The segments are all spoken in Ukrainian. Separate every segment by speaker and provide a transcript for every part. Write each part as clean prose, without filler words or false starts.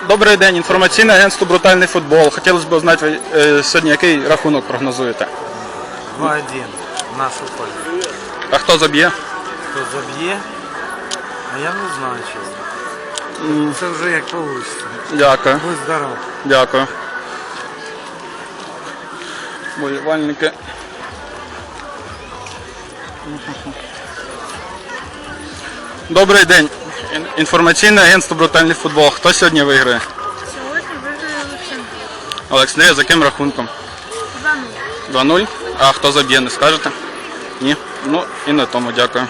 Speaker 1: Добрий день, інформаційне агентство «Брутальний футбол». Хотілося б узнати, сьогодні який рахунок прогнозуєте?
Speaker 2: 2-1 в нашу пользу.
Speaker 1: А хто заб'є?
Speaker 2: Хто заб'є? А я не знаю, чесно. Це вже як вийде.
Speaker 1: Дякую.
Speaker 2: Будь здоров.
Speaker 1: Дякую. Болівальники. Добрий день. Інформаційне агентство «Брутальний футбол». Хто сьогодні виграє?
Speaker 3: Сьогодні виграє Олександр.
Speaker 1: Олександр, за яким рахунком?
Speaker 3: 2-0.
Speaker 1: 2-0. А хто заб'є, не скажете? Ні? Ну і на тому дякую.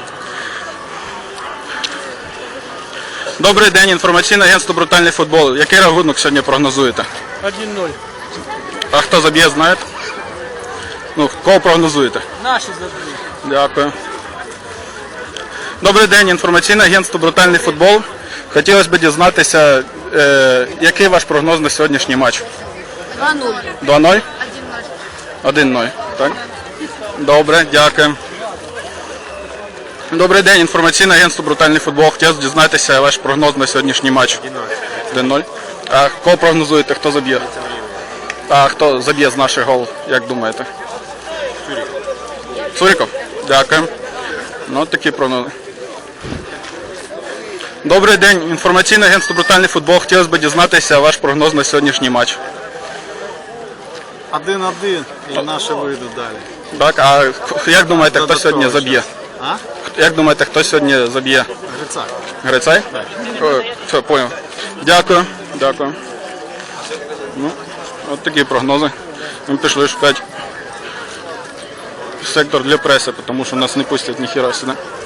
Speaker 1: Добрий день, інформаційне агентство «Брутальний футбол». Який рахунок сьогодні прогнозуєте?
Speaker 2: 1-0.
Speaker 1: А хто заб'є, знаєте? Ну, кого прогнозуєте?
Speaker 2: Наші заб'ють.
Speaker 1: Дякую. Добрий день, інформаційне агентство «Брутальний футбол». Хотілося б дізнатися, який ваш прогноз на сьогоднішній матч?
Speaker 3: 2-0.
Speaker 1: 2-0?
Speaker 3: 1-0.
Speaker 1: 1-0. Так? Добре, дякую. Добрий день, інформаційне агентство «Брутальний футбол». Хотілося б дізнатися ваш прогноз на сьогоднішній матч. 1-0. А кого прогнозуєте, хто заб'є? А хто заб'є з наших гол, як думаєте? Цуріков? Дякую. Ну, такі прогнози. Добрий день, інформаційне агентство «Брутальний футбол». Хотілося б дізнатися ваш прогноз на сьогоднішній матч.
Speaker 2: 1-1 і наші вийдуть далі.
Speaker 1: Так, а як думаєте, хто сьогодні заб'є?
Speaker 2: А?
Speaker 1: Як думаєте, хто сьогодні заб'є?
Speaker 2: Грицак.
Speaker 1: Грицай? Все, понял. Дякую. Дякую. Ну, от такі прогнози. Ми пішли шукати сектор для преси, тому що нас не пустять ніхіра сюди.